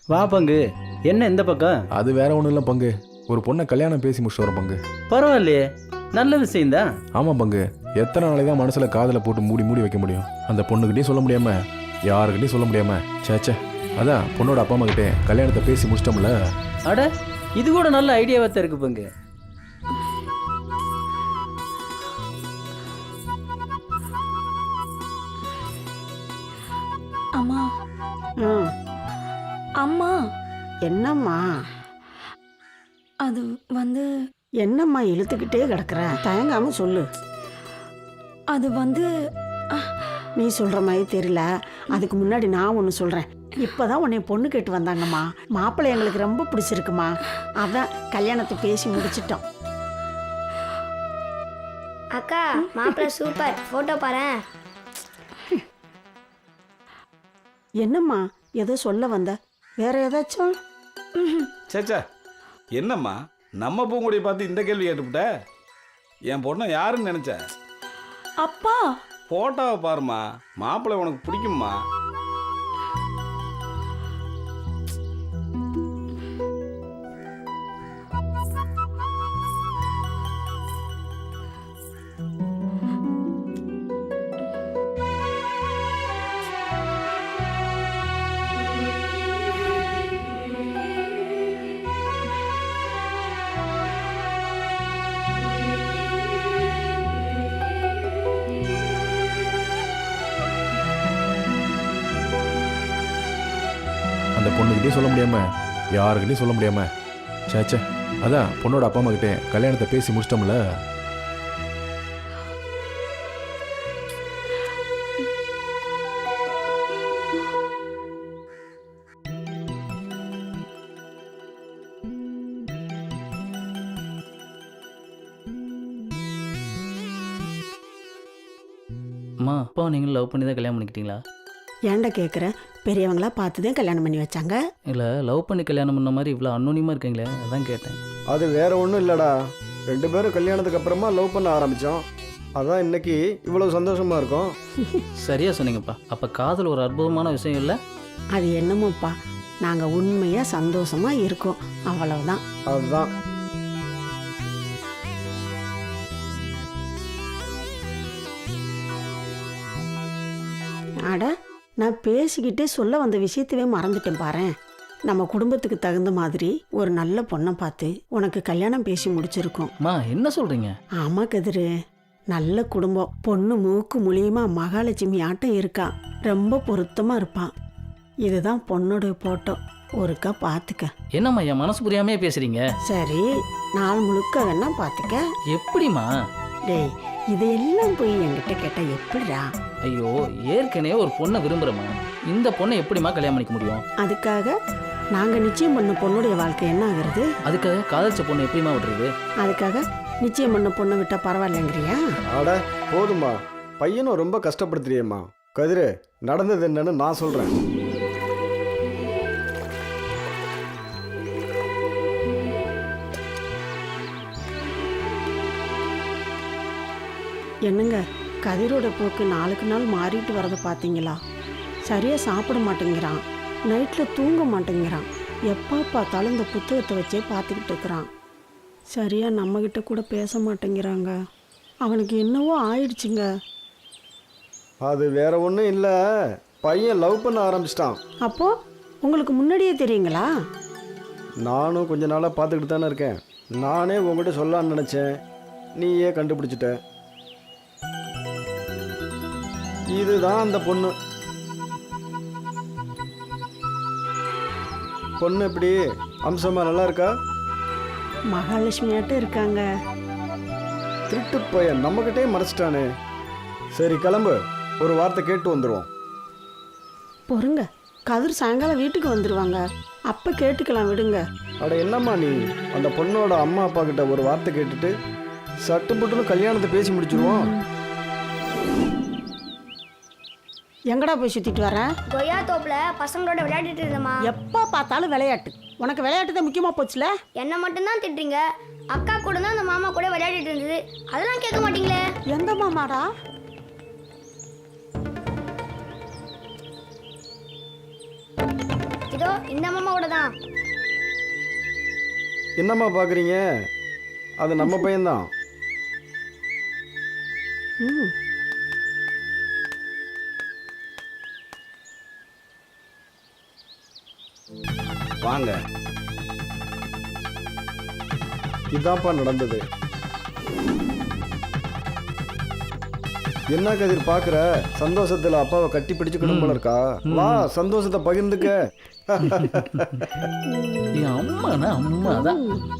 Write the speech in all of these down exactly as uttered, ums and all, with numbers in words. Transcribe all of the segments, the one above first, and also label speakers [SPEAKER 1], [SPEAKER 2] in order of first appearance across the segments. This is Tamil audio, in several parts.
[SPEAKER 1] வா பங்கு. என்ன இந்த பக்கம்?
[SPEAKER 2] அது வேற ஒன்றும் இல்லை பங்கு, ஒரு பொண்ணை கல்யாணம் பேசி முடிச்சுட்டு வரோம் பங்கு.
[SPEAKER 1] பரவாயில்லையே, நல்ல விஷயம்தான்.
[SPEAKER 2] ஆமாம் பங்கு, எத்தனை நாளைக்கு தான் மனசில் காதில் போட்டு மூடி மூடி வைக்க முடியும்? அந்த பொண்ணுக்கிட்டையும் சொல்ல முடியாம, யாருக்கிட்டையும் சொல்ல முடியாம, சேச்சே. அதான் பொண்ணோட அப்பா அம்மா கிட்டே கல்யாணத்தை பேசி முடிச்சிட்டோம்ல.
[SPEAKER 1] அட, இது கூட நல்ல ஐடியாவாக தான் இருக்கு பங்கு.
[SPEAKER 3] அம்மா.
[SPEAKER 4] ம்.
[SPEAKER 3] அம்மா,
[SPEAKER 4] என்னம்மா
[SPEAKER 3] அது வந்து
[SPEAKER 4] என்னம்மா இழுத்துக்கிட்டே கிடக்குற? தயங்காம சொல்லு.
[SPEAKER 3] அது வந்து
[SPEAKER 4] நீ சொல்ற மாதிரி தெரியல. அதுக்கு முன்னாடி நான் ஒன்று சொல்றேன். இப்பதான் உன்னை பொண்ணு கேட்டு வந்தாங்கம்மா. மாப்பிள்ளை எங்களுக்கு ரொம்ப பிடிச்சிருக்குமா. அதான் கல்யாணத்தை பேசி முடிச்சிட்டோம்.
[SPEAKER 5] அக்கா, மாப்பிள்ளை சூப்பர், போட்டோ பாரேன்.
[SPEAKER 4] என்னம்மா ஏதோ சொல்ல வந்த? வேற ஏதாச்சும்?
[SPEAKER 6] சேச்சா, என்னம்மா நம்ம பூங்குடியை பார்த்து இந்த கேள்வி கேட்டுவிட்ட? என் பொண்ணை யாருன்னு நினைச்ச?
[SPEAKER 3] அப்பா.
[SPEAKER 6] போட்டோவை பாருமா, மாப்பிள்ளை உனக்கு பிடிக்கும்மா.
[SPEAKER 2] அந்த பொண்ணுக்கிட்டே சொல்ல முடியாம, யாருக்கிட்டையும் சொல்ல முடியாம, சேச்சே. அதான் பொண்ணோட அப்பா அம்மா கிட்டே கல்யாணத்தை பேசி முடிச்சிட்டோம்ல.
[SPEAKER 1] அம்மா, அப்பா நீங்களும் லவ் பண்ணி தான் கல்யாணம் பண்ணிக்கிட்டீங்களா?
[SPEAKER 4] ஏன்டா கேட்குற? பெரியவங்களா பார்த்துதான் கல்யாணம் பண்ணி வச்சாங்க.
[SPEAKER 1] இல்லை, லவ் பண்ணி கல்யாணம் பண்ண மாதிரி இவ்வளோ அன்னோனியமாக இருக்கீங்களே, அதான் கேட்டேன்.
[SPEAKER 7] அது வேற ஒன்றும் இல்லைடா. ரெண்டு பேரும் கல்யாணத்துக்கு அப்புறமா லவ் பண்ண ஆரம்பித்தோம். அதான் இன்னைக்கு இவ்வளோ சந்தோஷமா இருக்கும்.
[SPEAKER 1] சரியா சொன்னீங்கப்பா. அப்போ காதல் ஒரு அற்புதமான விஷயம் இல்லை?
[SPEAKER 4] அது என்னமோப்பா, நாங்கள் உண்மையாக சந்தோஷமாக இருக்கோம், அவ்வளவுதான்.
[SPEAKER 7] அதுதான்.
[SPEAKER 4] அட, நான் பேசிக்கிட்டே சொல்ல வந்த விஷயத்தவே மறந்துட்டேன் பாரேன். நம்ம குடும்பத்துக்கு தகுந்த மாதிரி ஒரு நல்ல பொண்ணை பார்த்து உனக்கு கல்யாணம் பேசி முடிச்சிருக்கோம்.
[SPEAKER 1] அம்மா, என்ன சொல்கிறீங்க?
[SPEAKER 4] ஆமா கதிரு, நல்ல குடும்பம். பொண்ணு மூக்கு மூலியமா மகாலட்சுமி ஆட்டம் இருக்கா. ரொம்ப பொருத்தமா இருப்பான். இதுதான் பொண்ணோட போட்டோ. ஒருக்கா பார்த்துக்க.
[SPEAKER 1] என்னம்மா என் மனசு புரியாமே பேசுகிறீங்க?
[SPEAKER 4] சரி, நாள் முழுக்க வேணா பார்த்துக்க.
[SPEAKER 1] எப்படிம்மா?
[SPEAKER 4] டேய், இதையெல்லாம் போய் என்கிட்ட கேட்டா எப்படிடா?
[SPEAKER 1] ஐயோ, ஏற்கனவே ஒரு பொண்ணை விரும்புகிறேம்மா. இந்த பொண்ணை எப்படிம்மா கல்யாணம் பண்ணிக்க முடியும்?
[SPEAKER 4] அதுக்காக நாங்கள் நிச்சயம் பண்ண பொண்ணுடைய வாழ்க்கை என்ன ஆகுறது?
[SPEAKER 1] அதுக்காக காதலிச்ச பொண்ணு எப்படிம்மா விட்டுறது?
[SPEAKER 4] அதுக்காக நிச்சயம் பண்ண பொண்ணை விட்டா பரவாயில்லைங்கிறியா?
[SPEAKER 7] அட போதுமா, பையனும் ரொம்ப கஷ்டப்படுத்துறியம்மா. கதிரு, நடந்தது என்னன்னு நான் சொல்கிறேன்.
[SPEAKER 4] என்னங்க, கதிரோட போக்கு நாளுக்கு நாள் மாறிட்டு வரதை பார்த்தீங்களா? சரியாக சாப்பிட மாட்டேங்கிறான், நைட்டில் தூங்க மாட்டேங்கிறான், எப்போ பார்த்தாலும் இந்த புத்தகத்தை வச்சே பார்த்துக்கிட்டு இருக்கிறான். சரியாக நம்மக்கிட்ட கூட பேச மாட்டேங்கிறாங்க. அவனுக்கு என்னவோ ஆயிடுச்சுங்க.
[SPEAKER 7] அது வேற ஒன்றும் இல்லை, பையன் லவ் பண்ண ஆரம்பிச்சிட்டான்.
[SPEAKER 4] அப்போது உங்களுக்கு முன்னாடியே தெரியுங்களா?
[SPEAKER 7] நானும் கொஞ்ச நாளாக பார்த்துக்கிட்டு தானே இருக்கேன். நானே உங்ககிட்ட சொல்லலான்னு நினச்சேன், நீயே கண்டுபிடிச்சிட்ட. இதுதான் அந்த பொண்ணு. பொண்ணு எப்படி அம்சமா நல்லா இருக்கா?
[SPEAKER 4] மகாலட்சுமியாட்டம் இருக்காங்க.
[SPEAKER 7] திருட்டு பையன் நம்மகிட்டே மறைச்சிட்டானே. சரி கிளம்பு, ஒரு வார்த்தை கேட்டு வந்துடுவோம்.
[SPEAKER 4] பொறுங்க, கதிர் சாயங்காலம் வீட்டுக்கு வந்துடுவாங்க, அப்போ கேட்டுக்கலாம், விடுங்க.
[SPEAKER 7] அட என்னம்மா நீ, அந்த பொண்ணோட அம்மா அப்பா கிட்ட ஒரு வார்த்தை கேட்டுட்டு சட்டு புட்டுன்னு கல்யாணத்தை பேசி முடிச்சிருவோம்.
[SPEAKER 4] எங்கடா போய் சுற்றிட்டு வர?
[SPEAKER 5] கொய்யா தோப்புல பசங்களோட விளையாடிட்டு இருந்தம்மா.
[SPEAKER 4] எப்போ பார்த்தாலும் விளையாட்டு. உனக்கு விளையாட்டு தான் முக்கியமாக போச்சுல.
[SPEAKER 5] என்ன மட்டும்தான் திட்டுறீங்க. அக்கா கூட தான் அந்த மாமா கூட விளையாடிட்டு இருந்தது, அதெல்லாம் கேட்க மாட்டீங்களே.
[SPEAKER 4] எந்த மாமாடா?
[SPEAKER 5] இதோ இந்த மாமாவோட தான்.
[SPEAKER 7] என்னம்மா பார்க்குறீங்க? அது நம்ம பையன்தான்.
[SPEAKER 4] ம்
[SPEAKER 6] வாங்க.
[SPEAKER 7] இதான்ப்பா நடந்தது. என்ன கதிர் பார்க்குற? சந்தோஷத்தில் அப்பாவை கட்டி பிடிச்சுக்கணும் போல இருக்கா? வா சந்தோஷத்தை பகிர்ந்துக்க.
[SPEAKER 1] என் அம்மானா அம்மா தான்.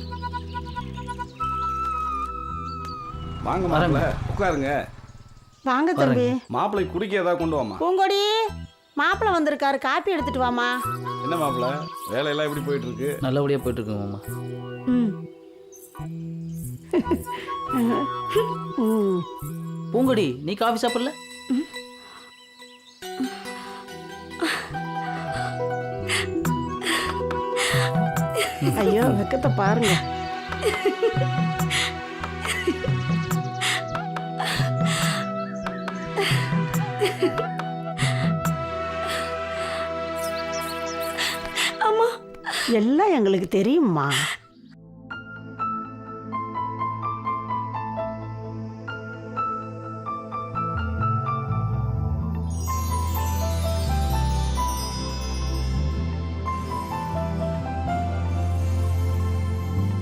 [SPEAKER 6] வாங்க மாப்பிள்ள, உட்காருங்க.
[SPEAKER 4] வாங்க தம்பி.
[SPEAKER 6] மாப்பிள்ளை குடிக்க ஏதாவது கொண்டு வாமா.
[SPEAKER 4] பூங்கொடி மாப்பிள்ளை வந்திருக்காரு, காப்பி எடுத்துட்டு வாமா.
[SPEAKER 6] என்ன மாப்பிள்ள, வேலையெல்லாம் எப்படி போயிட்டு இருக்கு?
[SPEAKER 1] நல்லபடியாக போயிட்டு இருக்குங்க மாமா.
[SPEAKER 4] ம் ம்
[SPEAKER 1] பூங்கொடி, நீ காஃபி சாப்பிடல?
[SPEAKER 4] ஐயோ வெக்கத்தை பாருங்க.
[SPEAKER 3] அம்மா
[SPEAKER 4] எல்லாம் எங்களுக்கு தெரியும்மா.